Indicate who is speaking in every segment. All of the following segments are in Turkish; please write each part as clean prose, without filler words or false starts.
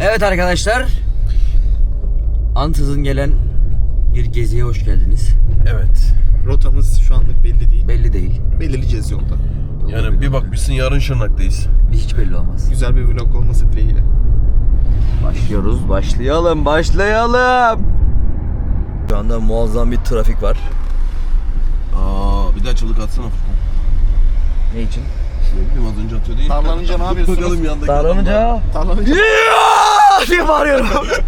Speaker 1: Evet arkadaşlar, ansızın gelen bir geziye hoş geldiniz.
Speaker 2: Evet. Rotamız şu anlık belli değil.
Speaker 1: Belli değil.
Speaker 2: Belirleyeceğiz yolda.
Speaker 3: Yani bir bakmışsın yarın Şırnak'tayız.
Speaker 1: Hiç belli olmaz.
Speaker 2: Güzel bir vlog olması dileğiyle.
Speaker 1: Başlıyoruz, başlayalım. Şu anda muazzam bir trafik var.
Speaker 3: Bir daha çığlık atsana Furkan.
Speaker 1: Ne için?
Speaker 3: Ne bileyim az önce atıyordu.
Speaker 2: Tarlanınca ne yapıyorsunuz?
Speaker 3: Bakalım yandaki
Speaker 1: Davranınca...
Speaker 2: Tarlanınca...
Speaker 1: diye bağırıyorum.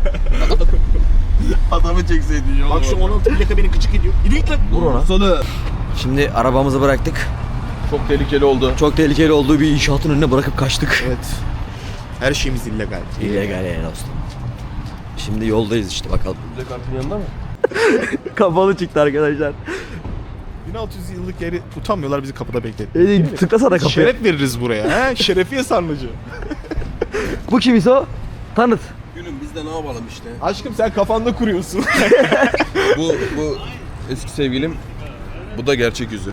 Speaker 3: adamı çekseydin yolda.
Speaker 2: Bak şu 16 plaka beni gıcık ediyor. Yürü git lan.
Speaker 1: Vur ona.
Speaker 3: Sana.
Speaker 1: Şimdi arabamızı bıraktık.
Speaker 3: Çok tehlikeli oldu.
Speaker 1: Çok tehlikeli olduğu bir inşaatın önüne bırakıp kaçtık.
Speaker 2: Evet. Her şeyimiz illegal.
Speaker 1: İllegal yani dostum. Şimdi yoldayız işte bakalım.
Speaker 3: Bize kartın yanında mı?
Speaker 1: Kapalı çıktı arkadaşlar.
Speaker 2: 1600 yıllık yeri utanmıyorlar bizi kapıda bekletti.
Speaker 1: Tıklasana kapıya.
Speaker 2: Şeref veririz buraya. He? Şerefiye sarnıcı.
Speaker 1: Bu kim ise o? Tanıt.
Speaker 3: Günüm biz de ne yapalım işte.
Speaker 2: Aşkım sen kafanda kuruyorsun.
Speaker 3: bu eski sevgilim. Bu da gerçek yüzü.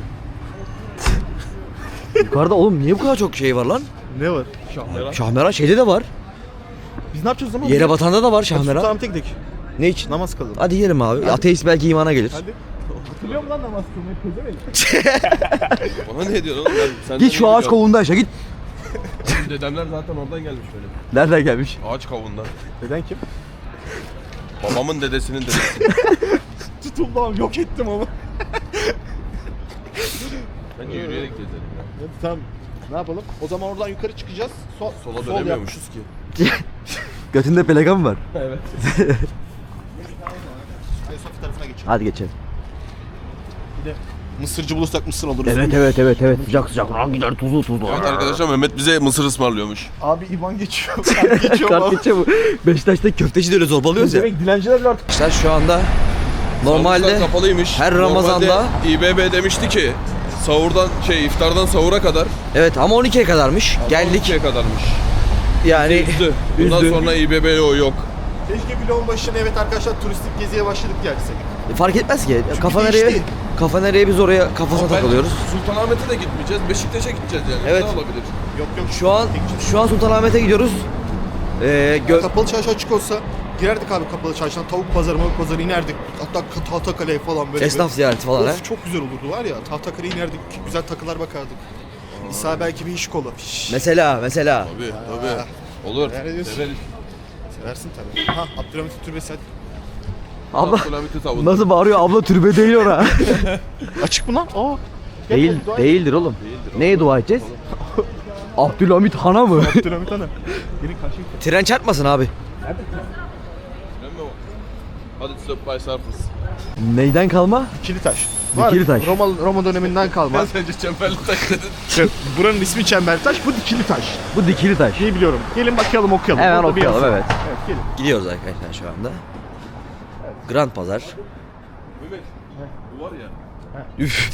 Speaker 1: Yukarıda oğlum niye bu kadar çok şey var lan?
Speaker 2: Ne var? Şahmeran.
Speaker 1: Şahmeran şeyde de var.
Speaker 2: Biz ne yapacağız o zaman?
Speaker 1: Yere batanda da var şahmeran.
Speaker 2: Sultanahmet'e gidelim.
Speaker 1: Ne için?
Speaker 2: Namaz kılalım.
Speaker 1: Hadi yiyelim abi.
Speaker 2: Hadi.
Speaker 1: Ateist belki imana gelir.
Speaker 2: Hadi. Hatırlıyor musun lan namaz kılmayı? Pezevenk.
Speaker 3: Bana ne diyorsun oğlum? Sen
Speaker 1: Git şu ağaç kovuğunda yaşa git.
Speaker 3: Dedemler zaten oradan gelmiş böyle.
Speaker 1: Nereden gelmiş?
Speaker 3: Ağaç kavuğundan.
Speaker 2: Neden kim?
Speaker 3: Babamın dedesinin dedesi.
Speaker 2: Tutuldum yok ettim ama.
Speaker 3: Bence yürüyerek gezelim ya.
Speaker 2: Evet, tamam. Ne yapalım? O zaman oradan yukarı çıkacağız.
Speaker 3: Sola
Speaker 2: sol
Speaker 3: dönemiyormuşuz ki.
Speaker 1: Götünde pelikan mı var?
Speaker 3: Evet.
Speaker 2: Sofi tarafına geçelim.
Speaker 1: Hadi geçelim.
Speaker 2: Bir de mısırcı bulursak mısır alırız.
Speaker 1: Evet. Sıcak. Lan gider tuzlu.
Speaker 3: Evet arkadaşlar Mehmet bize mısır ısmarlıyormuş.
Speaker 2: Abi İvan geçiyor. Kart geçiyor.
Speaker 1: Kart geçiyor bu. Beşiktaş'ta köfteci de öyle zorbalıyoruz ya.
Speaker 2: Demek dilenciler bile artık.
Speaker 1: İşte şu anda normalde
Speaker 3: Sahurlar kapalıymış.
Speaker 1: her Ramazan'da-
Speaker 3: Normalde İBB demişti ki iftardan sahura kadar.
Speaker 1: evet ama 12'ye kadarmış. Geldik
Speaker 3: 12'ye kadarmış.
Speaker 1: yani
Speaker 3: Üzdü. Bundan
Speaker 1: üzdü.
Speaker 3: sonra İBB yok.
Speaker 2: Keşke vlogun başına evet arkadaşlar turistik geziye başladık gelsek.
Speaker 1: Fark etmez ki.
Speaker 2: değişti.
Speaker 1: Kafa nereye biz oraya kafasına
Speaker 3: Ama
Speaker 1: takılıyoruz.
Speaker 3: Sultanahmet'e de gitmeyeceğiz. Beşiktaş'a gideceğiz yani.
Speaker 1: Evet.
Speaker 3: Ne olabilir?
Speaker 2: Yok.
Speaker 1: Şu an Sultanahmet'e gidiyoruz.
Speaker 2: Kapalı çarşı açık olsa girerdik abi kapalı çarşıdan. Tavuk pazarı, mavuk pazarı inerdik. Hatta Tahtakale'ye falan böyle.
Speaker 1: Esnaf ziyareti falan ha.
Speaker 2: Of, çok güzel olurdu var ya. Tahtakale'ye inerdik. Güzel takılar bakardık. İsa belki bir iş kolu.
Speaker 1: Mesela.
Speaker 3: Tabii. Olur.
Speaker 2: Nerede diyorsun?
Speaker 3: Severiz.
Speaker 2: Seversin tabii. Ha Abdülhamit Türbesi hadi.
Speaker 1: Abla
Speaker 3: Abdülhamit'i savunduk.
Speaker 1: nasıl bağırıyor? Abla türbe değil ora.
Speaker 2: Açık mı lan? Aa. Gel
Speaker 1: Değil,
Speaker 2: oğlum, dua et.
Speaker 1: değildir oğlum. Neye dua edeceğiz? Abdülhamit Han'a mı?
Speaker 2: Abdülhamit Han'a. Gelin karşıya.
Speaker 1: Tren çarpmasın abi.
Speaker 3: Değil mi o? Hadi stop by surface.
Speaker 1: Neyden kalma?
Speaker 2: Dikili taş.
Speaker 1: Dikili taş.
Speaker 2: Roma döneminden kalma.
Speaker 3: Ben sence çemberli taş dedin.
Speaker 2: Buranın ismi Çemberli Taş, bu dikili taş.
Speaker 1: Bu dikili taş.
Speaker 2: İyi biliyorum. Gelin bakalım okuyalım.
Speaker 1: Hemen
Speaker 2: Orada bir
Speaker 1: okuyalım,
Speaker 2: yazı.
Speaker 1: evet.
Speaker 2: Evet gelin.
Speaker 1: Gidiyoruz arkadaşlar şu anda. Grand Pazar.
Speaker 3: Mehmet. Bu var ya.
Speaker 1: Üf.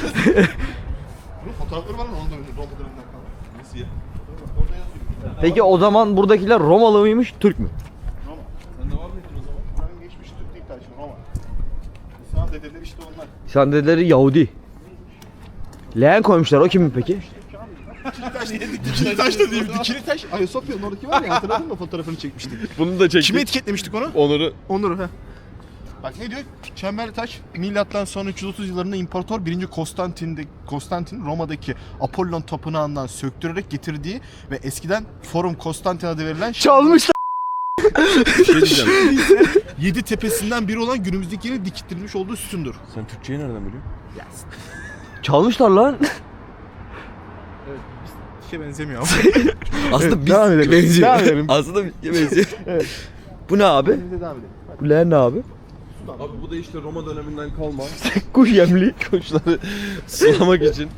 Speaker 2: Bunun fotoğrafları var mı? Onu da Roma döneminden kalma.
Speaker 3: Nasıl ya?
Speaker 2: Orada yazıyor.
Speaker 1: Peki o zaman buradakiler Romalı mıymış, Türk mü?
Speaker 2: Roma.
Speaker 3: Sen de var mıydın o zaman?
Speaker 2: Buranın geçmiş Türk değil taşı Roma. İslam dedeleri işte onlar.
Speaker 1: Sen dedileri Yahudi. Leğen koymuşlar, o kimin peki?
Speaker 2: Dikili taş değil. Dikili taş da değil. Dikili taş. Ayasofya'nın oradaki var ya hatırladın mı fotoğrafını çekmiştik.
Speaker 3: Bunu da çektik.
Speaker 2: Kime etiketlemiştik onu?
Speaker 3: Onur'u.
Speaker 2: Onur he. Bak ne diyor? Çemberli taş milattan sonra 330 yıllarında İmparator 1. Konstantin Roma'daki Apollon tapınağından söktürerek getirdiği ve eskiden Forum Konstantin adı verilen
Speaker 1: Çalmışlar.
Speaker 3: Bir şey diyeceğim.
Speaker 2: 7 tepesinden biri olan günümüzdeki yeni dikilmiş olduğu sütundur.
Speaker 3: Sen Türkçeyi nereden biliyorsun?
Speaker 1: Çalmışlar lan.
Speaker 2: Evet, bir şey benzemiyor ama.
Speaker 1: Aslında
Speaker 2: Evet, devam edelim.
Speaker 1: benziyor.
Speaker 2: Devam edelim.
Speaker 1: Aslında benziyor.
Speaker 2: Evet.
Speaker 1: Bu ne abi?
Speaker 2: Biz de devam edelim. Hadi.
Speaker 1: Bu leğen ne abi?
Speaker 3: Abi bu da işte Roma döneminden kalma.
Speaker 1: Kuş yemli.
Speaker 3: Kuşları sulamak için.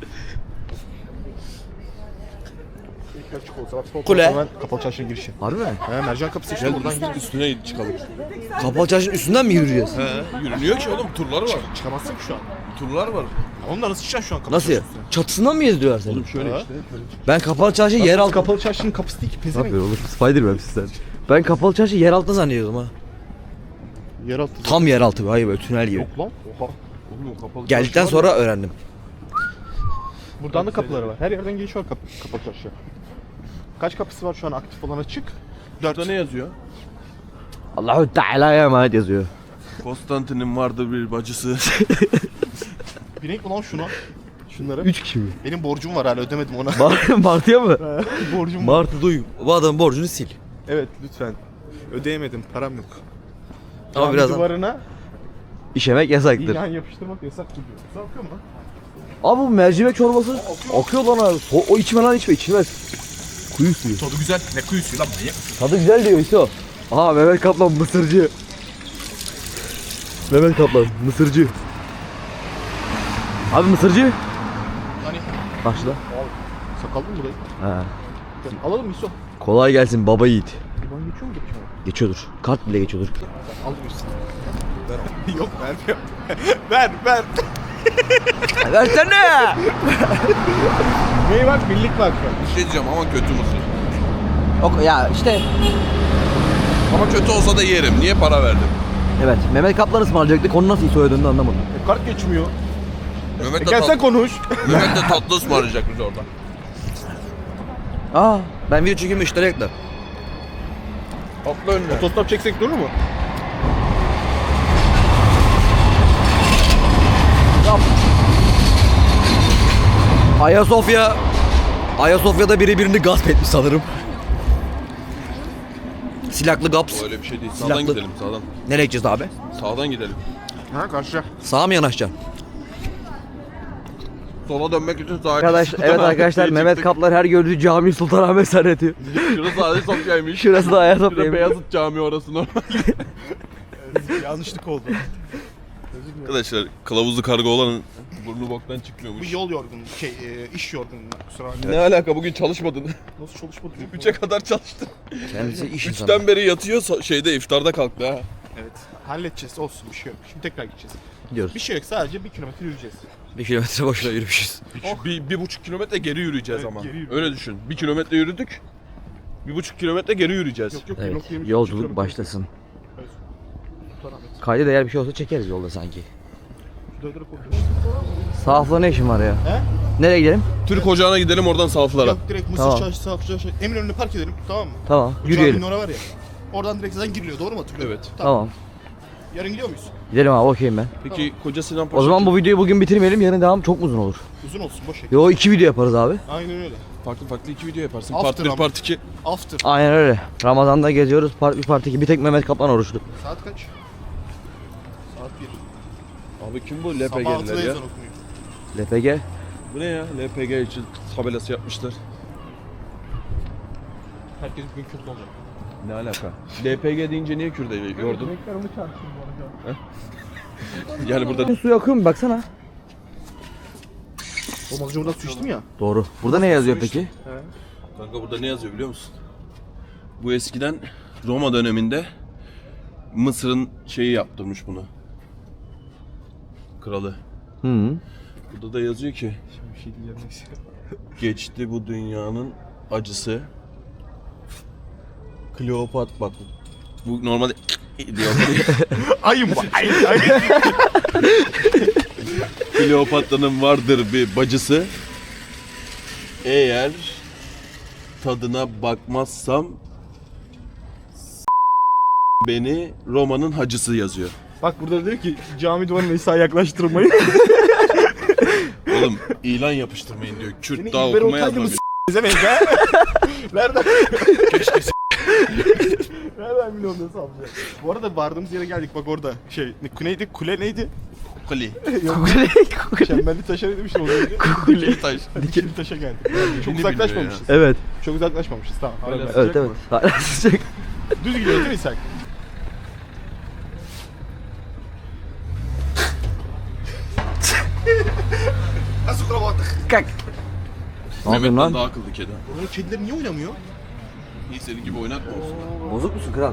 Speaker 2: İlk açık olsa bak sol
Speaker 1: Kule.
Speaker 2: tarafı hemen Kapalı Çarşı'nın girişi.
Speaker 1: Harbi mi?
Speaker 2: He mercan kapısı işte buradan gidiyoruz.
Speaker 3: Üstüne çıkalım.
Speaker 1: Kapalı çarşının üstünden mi yürüyeceğiz?
Speaker 3: Yürünüyor ki oğlum turlar var.
Speaker 2: Çıkamazsın ki şu an.
Speaker 3: Turlar var.
Speaker 2: Onunla nasıl çıkacaksın şu an Kapalı
Speaker 1: Nasıl ya?
Speaker 2: Çarşı'nın üstüne?
Speaker 1: Çatısından mı gezdiriyorlar seni?
Speaker 3: Şöyle
Speaker 2: Ha.
Speaker 3: işte. Şöyle.
Speaker 1: Ben kapalı çarşı yer altı...
Speaker 2: Kapalı Çarşı'nın kapısı değil ki
Speaker 1: Ne
Speaker 2: pezevenk.
Speaker 1: yapıyor oğlum? Spiderman sen. Ben kapalı çarşı yer altında zannediyordum ha.
Speaker 2: Yeraltı.
Speaker 1: Tam yer altı. Hayır böyle tünel gibi.
Speaker 2: Yok lan. Oha.
Speaker 3: Oğlum o kapalı
Speaker 1: Geldikten
Speaker 3: çarşı var
Speaker 1: sonra öğrendim.
Speaker 2: Buradan da kapıları var. Her yerden giriş var Kapalı Çarşı'ya. Kaç kapısı var şu an aktif olan açık?
Speaker 3: Burada ne yazıyor?
Speaker 1: Allahu Teala'ya emanet yazıyor.
Speaker 3: Konstantin'in vardır bir bacısı.
Speaker 2: Binek mi lan şuna? Şunları.
Speaker 1: 3 kişi mi?
Speaker 2: Benim borcum var hala ödemedim ona.
Speaker 1: Martı'ya mı?
Speaker 2: Borcum var.
Speaker 1: Martı duy. Bu adamın borcunu sil.
Speaker 2: Evet lütfen. Ödeyemedim, param yok.
Speaker 1: Ama
Speaker 2: Cami
Speaker 1: birazdan
Speaker 2: duvarına
Speaker 1: işemek yasaktır.
Speaker 2: ilan yapıştırmak yasak gibi. Su akıyor mu lan?
Speaker 1: Abi bu mercimek çorbası akıyor lan abi. O içme lan içmez. Kuyu suyu.
Speaker 2: Tadı güzel. Ne kuyusu lan manyak.
Speaker 1: Tadı güzel diyor İso. Aha Mehmet Kaplan mısırcı. Mehmet Kaplan mısırcı. Abi mısırcı.
Speaker 2: Hani
Speaker 1: Başla.
Speaker 2: sakallı mı burayı?
Speaker 1: Ha.
Speaker 2: Alalım mı İso?
Speaker 1: Kolay gelsin baba yiğit.
Speaker 2: İban geçiyor mu geçiyor mu?
Speaker 1: Geçiyordur. Kart bile geçiyordur.
Speaker 2: Al mısın? Yok vermiyor. ver.
Speaker 1: Versene.
Speaker 2: Ney bak birlik bak.
Speaker 3: Bir şey diyeceğim ama kötü mısır.
Speaker 1: Ya işte.
Speaker 3: Ama kötü olsa da yerim. Niye para verdim?
Speaker 1: Evet Mehmet Kaplan ısmarlayacaktı. Konu nasıl İso'ya döndü anlamadım.
Speaker 2: Kart geçmiyor.
Speaker 3: Mehmet de,
Speaker 2: Gel sen konuş.
Speaker 3: Mehmet de tatlı ısmarlayacak bize orada.
Speaker 1: Aa ben video çekeyim müşteri ekle.
Speaker 3: Atla önüne.
Speaker 2: Otostop çeksek durur mu?
Speaker 1: Ayasofya'da biri birini gasp etmiş sanırım. Silahlı gaps.
Speaker 3: O öyle bir şey değil.
Speaker 1: Silahlı.
Speaker 3: Sağdan gidelim sağdan.
Speaker 1: Nereye gideceğiz abi?
Speaker 3: Sağdan gidelim.
Speaker 2: Ha karşıya.
Speaker 1: Sağa mı yanaşacaksın?
Speaker 3: Sola dönmek için sağa.
Speaker 1: Evet arkadaşlar Mehmet Kaplan her gördüğü cami Sultanahmet zannediyor.
Speaker 3: Şurası Ayasofya'ymış.
Speaker 1: Şurası da
Speaker 3: Şurada
Speaker 1: Ayasofya.
Speaker 3: Beyazıt Camii orası normal.
Speaker 2: Yanlışlık oldu.
Speaker 3: Arkadaşlar kılavuzlu kargo olanın burnu boktan
Speaker 2: Bu
Speaker 3: çıkmıyormuş.
Speaker 2: yol yorgunluğu, iş yorgunluğu. Kusura bakma.
Speaker 3: Ne alaka bugün çalışmadın?
Speaker 2: Nasıl çalışmadı?
Speaker 3: 3'e kadar çalıştın.
Speaker 1: Kendisi iş insanı.
Speaker 3: 3'ten beri yatıyor şeyde iftarda kalktı ha.
Speaker 2: Evet. Halledeceğiz olsun bir şey yok. Şimdi tekrar gideceğiz.
Speaker 1: Gidiyoruz.
Speaker 2: Bir şey yok sadece 1 kilometre yürüyeceğiz.
Speaker 1: 1 kilometre boşuna yürümüşüz.
Speaker 3: Bir buçuk kilometre geri yürüyeceğiz
Speaker 2: Evet,
Speaker 3: ama.
Speaker 2: geri yürüyeceğiz.
Speaker 3: Öyle düşün. 1 kilometre yürüdük. 1,5 kilometre geri yürüyeceğiz.
Speaker 2: Yok
Speaker 1: Evet
Speaker 2: 1.23
Speaker 1: yolculuk
Speaker 2: kilometre.
Speaker 1: başlasın.
Speaker 2: Sultanahmet.
Speaker 1: Kayda değer bir şey olsa çekeriz yolda sanki.
Speaker 2: Döndürüp oturuyoruz.
Speaker 1: Sahafla ne işin var ya?
Speaker 2: He?
Speaker 1: Nereye gidelim?
Speaker 3: Türk ocağına gidelim oradan saflara.
Speaker 2: Yok direkt Mısır
Speaker 1: Tamam.
Speaker 2: Çarşısı, Safra Çarşısı. Eminönü'ne park edelim tamam mı?
Speaker 1: Tamam
Speaker 2: Bu
Speaker 1: yürüyelim.
Speaker 2: caminin orası var ya. Oradan direkt zaten giriliyor doğru mu hatırlıyorum?
Speaker 3: Evet.
Speaker 1: Tamam.
Speaker 2: Yarın gidiyor muyuz?
Speaker 1: Gidelim abi okeyim ben.
Speaker 3: Peki Koca Sinan Paşa
Speaker 1: O zaman bu videoyu bugün bitirmeyelim yarın devam çok uzun olur.
Speaker 2: Uzun olsun boş ver.
Speaker 1: Yo 2 video yaparız abi.
Speaker 2: Aynen öyle.
Speaker 3: farklı 2 video yaparsın.
Speaker 2: After
Speaker 3: Part 1,
Speaker 2: ama.
Speaker 3: Part 2.
Speaker 2: After.
Speaker 1: Aynen öyle. Ramazan'da geziyoruz part 1 part 2 bir tek Mehmet Kaplan oruçlu.
Speaker 2: Saat kaç? Saat 1.
Speaker 3: Abi kim bu
Speaker 2: Sabah 6'da
Speaker 3: LPG'liler ya?
Speaker 2: ezan okunuyor.
Speaker 1: LPG.
Speaker 3: Bu ne ya? LPG için tabelası yapmışlar.
Speaker 2: Herkes bugün Kürt olacak.
Speaker 3: Ne alaka? LPG deyince niye Kürt'e yordun?
Speaker 2: Renkler onu çağırsın bu arada.
Speaker 3: Yani burada
Speaker 1: Su akıyor mu baksana.
Speaker 2: O az önce buradan su içtim ya.
Speaker 1: Doğru. Burada ne yazıyor
Speaker 2: Su
Speaker 1: peki?
Speaker 2: içtim. He.
Speaker 3: kanka burada ne yazıyor biliyor musun? Bu eskiden Roma döneminde Mısır'ın şeyi yaptırmış bunu. Kralı.
Speaker 1: Hı.
Speaker 3: Burada da yazıyor ki
Speaker 2: Şimdi bir şey diyeceğim neyse.
Speaker 3: geçti bu dünyanın acısı. Kleopatra bak. Bu normalde diyor.
Speaker 2: Ayım bu. Ay.
Speaker 3: Kleopatra'nın vardır bir bacısı. Eğer tadına bakmazsam beni Roma'nın hacısı yazıyor.
Speaker 2: Bak burada diyor ki cami duvarına İsa yaklaştırmayın.
Speaker 3: Oğlum ilan yapıştırmayın diyor. Kürt
Speaker 2: Seni
Speaker 3: daha
Speaker 2: İlber
Speaker 3: okuma
Speaker 2: Ortaylı mı
Speaker 3: yazma.
Speaker 2: Zemek ha? Nereden? Nereden biliyorum nasıl alacağız? Bu arada vardığımız yere geldik bak orada. Neydi? Kule neydi?
Speaker 3: Kuli.
Speaker 2: Yok. Çemberli taşa ne demiştim az önce?
Speaker 3: Kuli taş.
Speaker 2: Dikili taşa geldik. Çok
Speaker 3: Dikili
Speaker 2: uzaklaşmamışız.
Speaker 1: Evet.
Speaker 2: Çok uzaklaşmamışız tamam.
Speaker 3: Hala
Speaker 2: Hala
Speaker 1: Evet evet. Hala sıcak.
Speaker 2: Düz gidiyoruz değil mi İshak? Nasıl kurabattık?
Speaker 1: Kalk. Ne yapıyorsun
Speaker 3: Mehmet'ten
Speaker 1: lan?
Speaker 3: daha akıllı kedi.
Speaker 2: Buranın kedileri niye oynamıyor?
Speaker 3: İyi senin gibi oynatma olsun.
Speaker 1: Bozuk musun kral?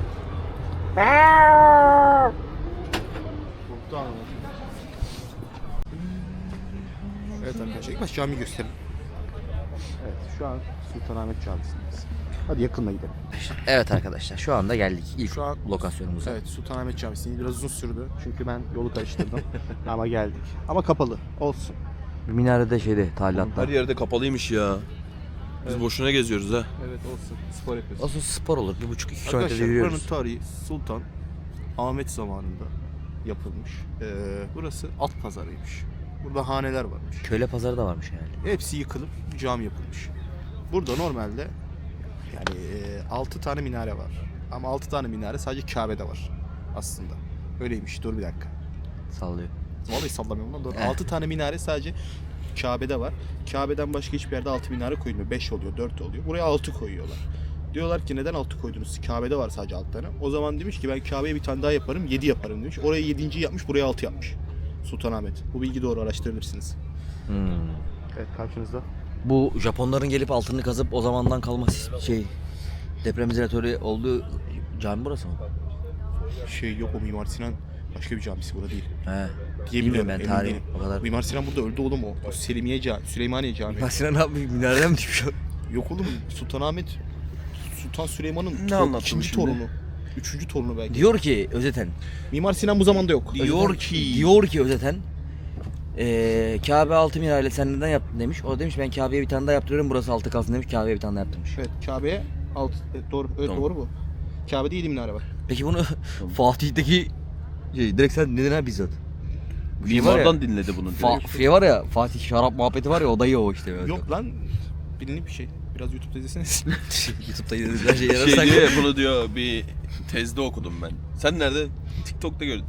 Speaker 2: Korktu anam. Evet arkadaşlar ilk baş cami gösterin. Evet şu an Sultanahmet Camisi'ndeyiz. Hadi yakınla gidelim.
Speaker 1: Evet arkadaşlar şu anda geldik ilk
Speaker 2: Şu an-
Speaker 1: lokasyonumuza.
Speaker 2: Evet Sultanahmet Camisi'ni biraz uzun sürdü. Çünkü ben yolu karıştırdım. Ama geldik. Ama kapalı. Olsun.
Speaker 1: Minarede şeyde talilatta.
Speaker 3: Her yerde kapalıymış ya. Biz boşuna geziyoruz ha.
Speaker 2: Evet olsun. Spor yapıyoruz.
Speaker 1: Nasıl spor olur? 1,5-2 kilometrede
Speaker 2: Arkadaşlar buranın
Speaker 1: yürüyoruz.
Speaker 2: tarihi Sultan Ahmet zamanında yapılmış. Burası at pazarıymış. Burada haneler varmış.
Speaker 1: Köyle pazarı da varmış yani.
Speaker 2: Hepsi yıkılıp cami yapılmış. Burada normalde yani 6 tane minare var. Ama 6 tane minare sadece Kabe'de var aslında. Öyleymiş. Dur bir dakika.
Speaker 1: Sallıyor.
Speaker 2: Vallahi sallamıyorum lan. 6 tane minare sadece Kabe'de var. Kabe'den başka hiçbir yerde 6 minare koyulmuyor. 5 oluyor, 4 oluyor. Buraya 6 koyuyorlar. Diyorlar ki neden 6 koydunuz? Kabe'de var sadece 6 tane. O zaman demiş ki ben Kabe'ye bir tane daha yaparım, 7 yaparım demiş. Oraya 7. yapmış, buraya 6 yapmış. Sultanahmet. Bu bilgi doğru, araştırabilirsiniz. Evet, karşınızda.
Speaker 1: Bu Japonların gelip altını kazıp o zamandan kalma deprem izolatörü olduğu cami burası mı?
Speaker 2: Şey yok, o Mimar Sinan başka bir camisi, burada değil.
Speaker 1: He.
Speaker 2: Diye
Speaker 1: Bilmiyorum ben
Speaker 2: emin
Speaker 1: tarih
Speaker 2: değilim.
Speaker 1: o kadar.
Speaker 2: Mimar Sinan burada öldü oğlum o. O Selimiye Camii, Süleymaniye Camii.
Speaker 1: Mimar Sinan abi minareden mi düşmüş?
Speaker 2: Yok oğlum, Sultanahmet Sultan Süleyman'ın
Speaker 3: Ne anlattın
Speaker 2: ikinci
Speaker 3: şimdi?
Speaker 2: torunu. Üçüncü torunu belki.
Speaker 1: Diyor ki özeten.
Speaker 2: Mimar Sinan bu zamanda yok.
Speaker 1: Diyor ki özeten. Kabe 6 minareli sen neden yaptın demiş. O demiş ben Kabe'ye bir tane daha yaptırıyorum, burası 6 kalsın demiş. Kabe'ye bir tane daha yaptırmış.
Speaker 2: Evet, Kabe'ye alt doğru. Evet,
Speaker 3: Tamam.
Speaker 2: doğru bu. Kabe'de 7 minare var.
Speaker 1: Peki bunu Fatih'teki direkt sen dedin ha bizzat. Bu şey var ya,
Speaker 3: Mimardan dinledi bunu direkt.
Speaker 1: Şey var ya, Fatih şarap muhabbeti var ya, o dayı o işte. Evet.
Speaker 2: Yok lan. Bilinlik bir şey. Biraz YouTube'da izleseniz.
Speaker 1: YouTube'da izlediğiniz her şeyi
Speaker 3: Şey
Speaker 1: yararsak.
Speaker 3: diyor ya, bunu diyor bir tezde okudum ben. Sen nerede? TikTok'ta gördüm.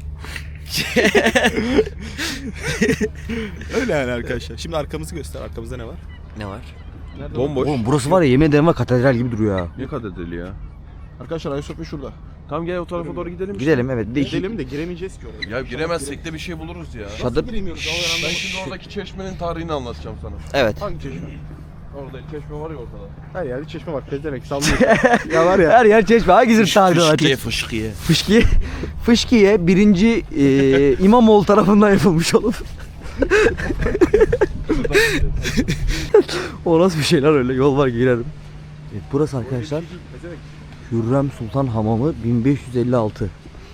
Speaker 2: Öyle yani arkadaşlar. Şimdi arkamızı göster. Arkamızda ne var?
Speaker 1: Ne var?
Speaker 2: Nerede?
Speaker 3: Bomboş.
Speaker 1: Oğlum burası var ya, yemin ederim var, katedral gibi duruyor ha.
Speaker 3: Ne katedrali ya?
Speaker 2: Arkadaşlar Ayasofya şurada.
Speaker 3: Tamam gel o tarafa doğru gidelim.
Speaker 1: Gidelim evet. Bir de iki
Speaker 2: Gidelim de giremeyeceğiz ki oraya.
Speaker 3: Ya giremezsek de bir şey buluruz ya.
Speaker 1: çadır.
Speaker 2: Giremiyoruz.
Speaker 3: Ben şimdi oradaki çeşmenin tarihini anlatacağım sana.
Speaker 1: Evet.
Speaker 2: Hangi çeşme?
Speaker 3: Orada çeşme var ya ortada.
Speaker 2: Her yerde çeşme var. Pezevenk sallıyor. Ya var ya.
Speaker 1: Her yer çeşme. Hangisini tarihini anlatacak?
Speaker 3: fışkiye.
Speaker 1: Fışkiye. Fışkiye 1. İmamoğlu tarafından yapılmış olup. O nasıl bir şeyler öyle, yol var girerim. Evet, burası arkadaşlar
Speaker 2: Pezevenk.
Speaker 1: Hürrem Sultan Hamamı 1556.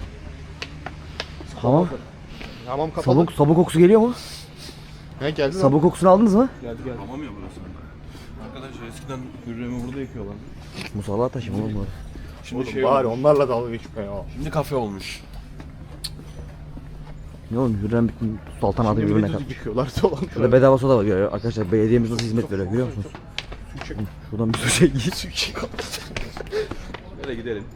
Speaker 1: Hamam.
Speaker 2: Hamam kapalı.
Speaker 1: Sabun kokusu geliyor mu?
Speaker 2: He geldi.
Speaker 1: Sabun kokusunu aldınız mı?
Speaker 2: Geldi.
Speaker 3: Tamam ya burası. Arkadaşlar eskiden Hürrem'i burada yıkıyorlar.
Speaker 1: Musalla taşı mı oğlum bu?
Speaker 3: Şimdi
Speaker 2: Oğlum
Speaker 3: şey
Speaker 2: bari
Speaker 3: olmuş.
Speaker 2: onlarla dalga geçme ya.
Speaker 3: Şimdi kafe olmuş.
Speaker 1: Ne oğlum, Hürrem bütün Sultan adı birbirine katmış.
Speaker 2: yıkıyorlar dolan.
Speaker 1: Şurada bedava soda var görüyor arkadaşlar, belediyemiz nasıl hizmet veriyor görüyor musunuz? Şuradan bir su çek.
Speaker 3: Nereye gidelim?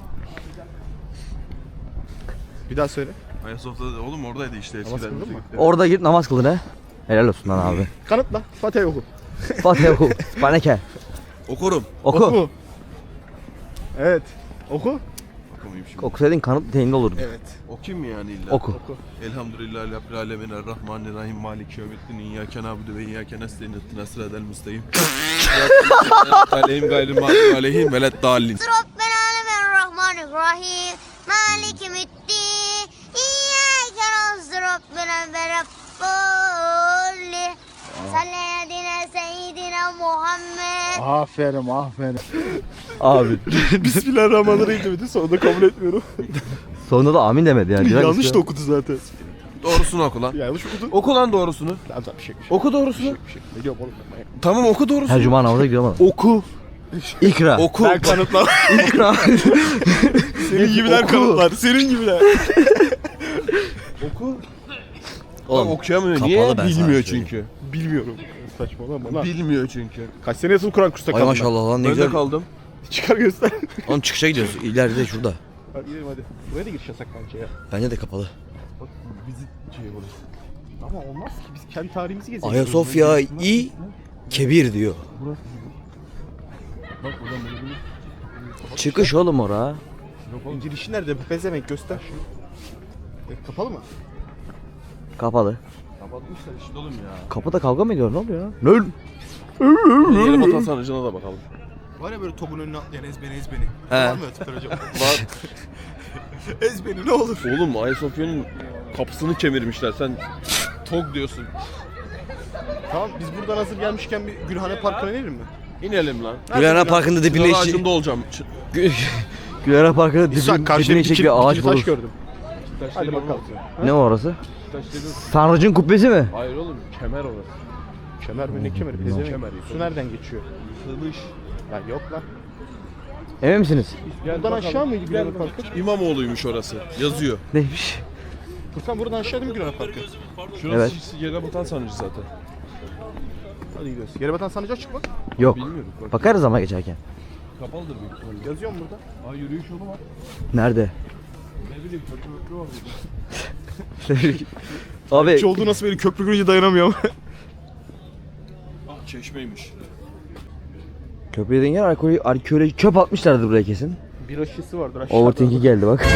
Speaker 2: Bir daha söyle.
Speaker 3: Ayasofya'da oğlum oradaydı işte eskiden.
Speaker 2: kıldın mı?
Speaker 1: Orada git namaz kılın he. Helal olsun lan abi.
Speaker 2: Kanıtla. Fatih oku.
Speaker 1: Fatih oku. Spaneke.
Speaker 3: Okurum.
Speaker 1: Oku.
Speaker 2: Evet. Oku.
Speaker 3: Okumayayım şimdi.
Speaker 1: Okusaydın kanıt neyinde olurdu.
Speaker 2: Evet.
Speaker 3: Okuyayım mı yani illa?
Speaker 1: Oku.
Speaker 3: Elhamdülillahi Rabbil alemin errahmanirrahim maliki yevmiddin iyyake na'budu ve iyyake nestaîn ihdinas sıratal müstakîm. Aleyhim gayril mağdubi aleyhim veleddallin.
Speaker 4: ربنا الرحمن الرحيم مالك يوم الدين إياك نعبد ربنا برب صلى على سيدنا محمد.
Speaker 2: Aferin.
Speaker 1: Abi.
Speaker 2: Bismillahirrahmanirrahim demedi. Sonunda kabul etmiyorum.
Speaker 1: Sonunda da amin demedi yani.
Speaker 2: Yanlış da okudu zaten.
Speaker 3: Doğrusunu oku lan.
Speaker 2: Yanlış okudu.
Speaker 3: Oku lan doğrusunu.
Speaker 2: Tamam bir şey.
Speaker 3: Oku doğrusunu.
Speaker 2: Ne diyorum oğlum ben?
Speaker 3: Tamam oku doğrusunu.
Speaker 1: Her cuma namaza gidiyorum ama.
Speaker 2: Oku.
Speaker 1: İkra.
Speaker 3: Oku.
Speaker 2: Ben kanıtlar.
Speaker 1: İkra.
Speaker 2: Senin gibiler
Speaker 1: Oku.
Speaker 2: kanıtlar. Senin gibiler.
Speaker 3: Oku.
Speaker 1: Oğlum,
Speaker 3: Bak okuyamıyor.
Speaker 1: kapalı
Speaker 3: Niye?
Speaker 1: ben sana
Speaker 3: Bilmiyor
Speaker 1: söyleyeyim.
Speaker 3: çünkü.
Speaker 2: Bilmiyorum. Saçmalama lan.
Speaker 3: Bilmiyor çünkü.
Speaker 2: Kaç sene yazılı Kur'an kursuna
Speaker 1: Ay
Speaker 2: kaldın?
Speaker 1: maşallah lan ne
Speaker 3: Ben de
Speaker 1: güzel.
Speaker 3: kaldım.
Speaker 2: Çıkar göster.
Speaker 1: Oğlum çıkışa gidiyoruz. İleride şurada.
Speaker 2: Hadi gidelim hadi. Buraya da giriş yasak bence ya.
Speaker 1: Bence de kapalı.
Speaker 2: Bak vizit şey burası. Ama olmaz ki biz kendi tarihimizi gezelim.
Speaker 1: Ayasofya i kebir diyor.
Speaker 2: Bak buradan böyle bir...
Speaker 1: Çıkış oğlum ora.
Speaker 2: Yok oğlum. Girişi nerede? Bezemek göster. Kapalı mı?
Speaker 1: Kapalı.
Speaker 3: Kapatmışlar işte oğlum ya.
Speaker 1: Kapıda kavga mı ediyor, ne oluyor ya? Ne?
Speaker 3: Yeni vatan sarnıcına da bakalım.
Speaker 2: Var ya böyle topun önüne atlayan ezbeni.
Speaker 1: He.
Speaker 2: Var mı öyle tipler hocam?
Speaker 3: Var.
Speaker 2: Ezbeni ne olur.
Speaker 3: Oğlum Ayasofya'nın kapısını kemirmişler. Sen tok diyorsun.
Speaker 2: Tamam biz buradan hazır gelmişken bir Gülhane Parkı'na inelim mi?
Speaker 3: İnelim lan.
Speaker 1: Gülhane Parkı'nda dibine
Speaker 3: Çınar
Speaker 1: işi...
Speaker 3: ağacında olacağım.
Speaker 1: Gülhane Parkı'nda dibine işecek bir ağaç
Speaker 2: taş
Speaker 1: bulur.
Speaker 2: gördüm. Hadi bakalım.
Speaker 1: Ne o orası?
Speaker 3: Taş dedim.
Speaker 1: Tanrıcın kubbesi mi?
Speaker 3: Hayır oğlum kemer orası.
Speaker 2: Kemer mi ne kemeri? Pezevenk. Su nereden geçiyor?
Speaker 3: Kılıç.
Speaker 2: Ya yok lan.
Speaker 1: Emin misiniz?
Speaker 2: Buradan aşağı mı gidiyor Luna Park'a?
Speaker 3: İmamoğlu'ymuş orası. Yazıyor.
Speaker 1: Neymiş?
Speaker 2: Furkan buradan aşağı değil mi Luna Park'a?
Speaker 3: Şurası
Speaker 1: Evet.
Speaker 3: yere batan sanıcı zaten.
Speaker 2: Hadi gidiyoruz. Yere batan sanacak çık bak.
Speaker 1: Yok.
Speaker 3: Bilmiyorum. Bak.
Speaker 1: Bakarız ama geçerken.
Speaker 3: Kapalıdır büyük ihtimalle.
Speaker 2: Yazıyor mu burada?
Speaker 3: Aa yürüyüş yolu var.
Speaker 1: Nerede?
Speaker 3: Ne bileyim köprü var burada.
Speaker 1: Abi
Speaker 2: Hiç olduğu nasıl böyle köprü görünce dayanamıyorum.
Speaker 3: Ah çeşmeymiş.
Speaker 1: köprü dediğin yer alkolü çöp atmışlardı buraya kesin.
Speaker 2: Bir şişesi vardır aşağıda.
Speaker 1: Overthink'i geldi bak.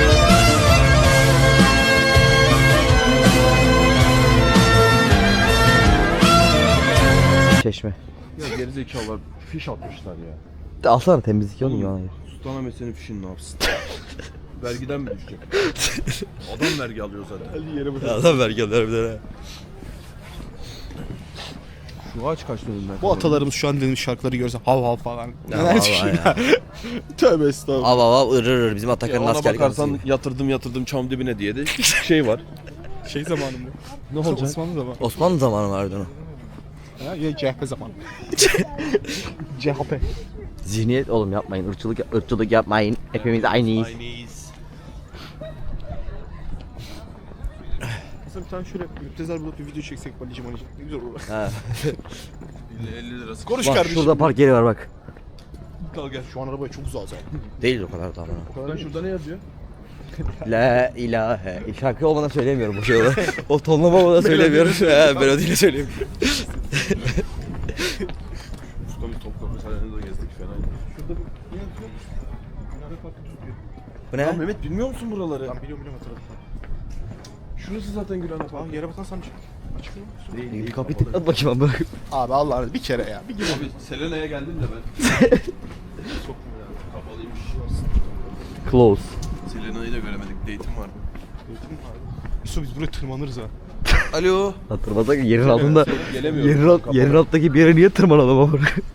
Speaker 1: Çeşme.
Speaker 3: Ya gerizekalılar fiş atmışlar ya.
Speaker 1: Alsana temizlik olmuyor ona.
Speaker 3: Sultanahmet senin fişin ne yapsın? Vergiden mi düşecek? Adam vergi alıyor zaten.
Speaker 2: Hadi yere batan.
Speaker 1: Adam vergiler bir tane.
Speaker 3: Şu ağaç kaç dönümden?
Speaker 2: Bu atalarımız şu an dinlemiş şarkıları görse hav hav falan.
Speaker 1: Ya
Speaker 2: Neler
Speaker 1: vallahi
Speaker 2: düşünüyor?
Speaker 1: ya.
Speaker 2: Tövbe estağfurullah.
Speaker 1: Av ırır bizim
Speaker 3: Ya
Speaker 1: Atakan'ın
Speaker 3: ona
Speaker 1: asker
Speaker 3: bakarsan
Speaker 1: karısı.
Speaker 3: yatırdım çam dibine diye de şey var.
Speaker 2: Şey zamanı mı?
Speaker 3: Ne olacak?
Speaker 2: Osmanlı zamanı.
Speaker 1: Osmanlı zamanı vardı onu.
Speaker 2: Ya CHP zamanı. CHP.
Speaker 1: Zihniyet oğlum yapmayın. Irkçılık yapmayın. Hepimiz aynıyız.
Speaker 3: Aynıyız.
Speaker 2: Aslında bir tane şöyle müptezel bulup bir video çeksek balicim balicim. Ne güzel olur.
Speaker 1: Ha.
Speaker 3: 50 lirası.
Speaker 2: Konuş
Speaker 1: Bak
Speaker 2: kardeşim.
Speaker 1: şurada park yeri var bak.
Speaker 3: Kal gel.
Speaker 2: Şu an arabaya çok uzağız abi.
Speaker 1: Değil o kadar da ama.
Speaker 2: O kadar
Speaker 3: Lan
Speaker 2: değil.
Speaker 3: şurada ne yazıyor?
Speaker 1: La ilahe. Şarkı olmadan söyleyemiyorum bu şey olarak. O tonlama olmadan söylemiyorum. He melodiyle söyleyeyim.
Speaker 3: Şurada bir Topkapı Sarayı'nda da gezdik fena. Şurada bir ne yazıyor?
Speaker 2: Araba parkı tutuyor.
Speaker 1: Bu
Speaker 3: Ya
Speaker 1: ne?
Speaker 3: Mehmet bilmiyor musun buraları?
Speaker 2: Ben biliyorum hatırladım.
Speaker 3: Şurası zaten Gülhane
Speaker 2: Aa
Speaker 3: Parkı.
Speaker 2: yere batan sanacak. Açık mı?
Speaker 3: Değil,
Speaker 1: Kapıyı
Speaker 3: kapalı.
Speaker 1: tıklat bakayım abi.
Speaker 2: Abi Allah'ını bir kere ya. Bir gibi.
Speaker 3: Abi Selena'ya geldim de ben. Çok kapalıymış.
Speaker 1: Close.
Speaker 3: Selena'yı da göremedik. Date'im vardı.
Speaker 2: Yusuf biz buraya tırmanırız ha.
Speaker 3: Alo.
Speaker 1: Hatırlasak yerin altında.
Speaker 3: Gelemiyorum.
Speaker 1: Yerin alttaki bir yere niye tırmanalım ama?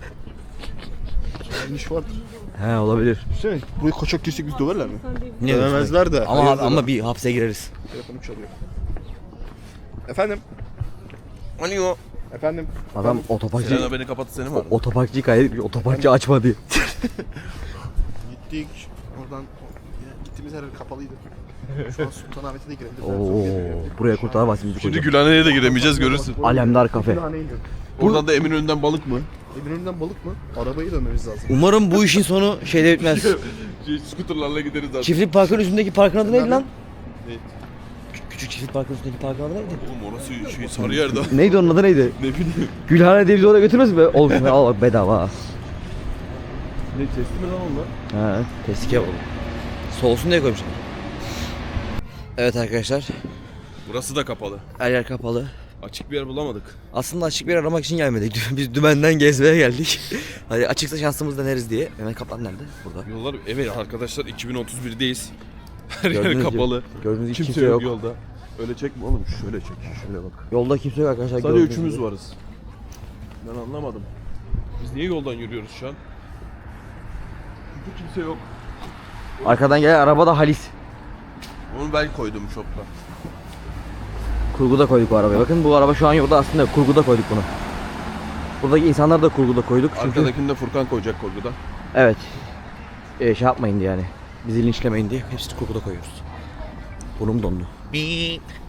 Speaker 2: İş vardır.
Speaker 1: He olabilir.
Speaker 2: Düşünsene burayı kaçak girsek biz döverler mi?
Speaker 1: Ne
Speaker 2: Dövemezler de.
Speaker 1: Ama
Speaker 2: Hayırdır
Speaker 1: ama
Speaker 2: lan.
Speaker 1: bir hapse gireriz.
Speaker 2: Telefonum çalıyor. Efendim?
Speaker 3: Alo.
Speaker 2: Efendim?
Speaker 1: Adam otoparkçı
Speaker 3: Selena beni kapattı seni mi aradı?
Speaker 1: otoparkçıyı kaydetmiş. Otoparkçı açma diye.
Speaker 2: Gittik. Oradan gittiğimiz her yer kapalıydı. Şu an Sultanahmet'e de girebiliriz.
Speaker 1: Oo, buraya kurtaramazsın bizi
Speaker 3: Şimdi
Speaker 1: koca.
Speaker 3: Gülhane'ye de giremeyeceğiz görürsün.
Speaker 1: Alemdar kafe.
Speaker 3: Oradan da Eminönü'nden balık mı?
Speaker 2: Eminönü'nden balık mı? Arabayı dönmemiz lazım.
Speaker 1: Umarım bu işin sonu şeyde bitmez.
Speaker 3: Skuterlarla gideriz zaten.
Speaker 1: Çiftlik parkın üstündeki parkın adı neydi lan?
Speaker 3: Ne?
Speaker 1: Küçük çiftlik parkın üstündeki parkın adı neydi?
Speaker 3: Oğlum orası şey Sarıyer'de.
Speaker 1: Neydi onun adı neydi?
Speaker 3: Ne bileyim.
Speaker 1: Gülhane diye bizi oraya götürmez mi? Oğlum al bak bedava ha.
Speaker 3: Ne testi mi lan onlar?
Speaker 1: Ha, testike oldu. Soğusun diye koymuşlar. Evet arkadaşlar,
Speaker 3: Burası da kapalı.
Speaker 1: her yer kapalı.
Speaker 3: Açık bir yer bulamadık.
Speaker 1: Aslında açık bir yer aramak için gelmedik. Biz dümenden gezmeye geldik. Hadi açıksa şansımız deneriz diye. Mehmet Kaplan nerede? Burada.
Speaker 3: Yollar evet arkadaşlar 2031'deyiz. Her
Speaker 1: Gördüğünüz
Speaker 3: yer
Speaker 1: gibi-
Speaker 3: kapalı.
Speaker 1: Gördüğünüz gibi
Speaker 3: Kimse yok yolda. Öyle çekme oğlum şöyle çek. Şöyle bak.
Speaker 1: Yolda kimse yok arkadaşlar.
Speaker 3: Sadece
Speaker 1: gördüğünüz
Speaker 3: üçümüz
Speaker 1: gibi.
Speaker 3: varız. Ben anlamadım. Biz niye yoldan yürüyoruz şu an? Çünkü kimse yok.
Speaker 1: Arkadan gelen araba da Halis.
Speaker 3: Onu ben koydum şopla.
Speaker 1: Kurguda koyduk bu arabayı. Bakın bu araba şu an yolda aslında kurguda koyduk bunu. Buradaki insanları da kurguda koyduk çünkü
Speaker 3: Arkadakini de Furkan koyacak korkuda.
Speaker 1: evet. Şey yapmayın diye yani. Bizi linçlemeyin diye hepsini kurguda koyuyoruz. Burnum dondu. Beep.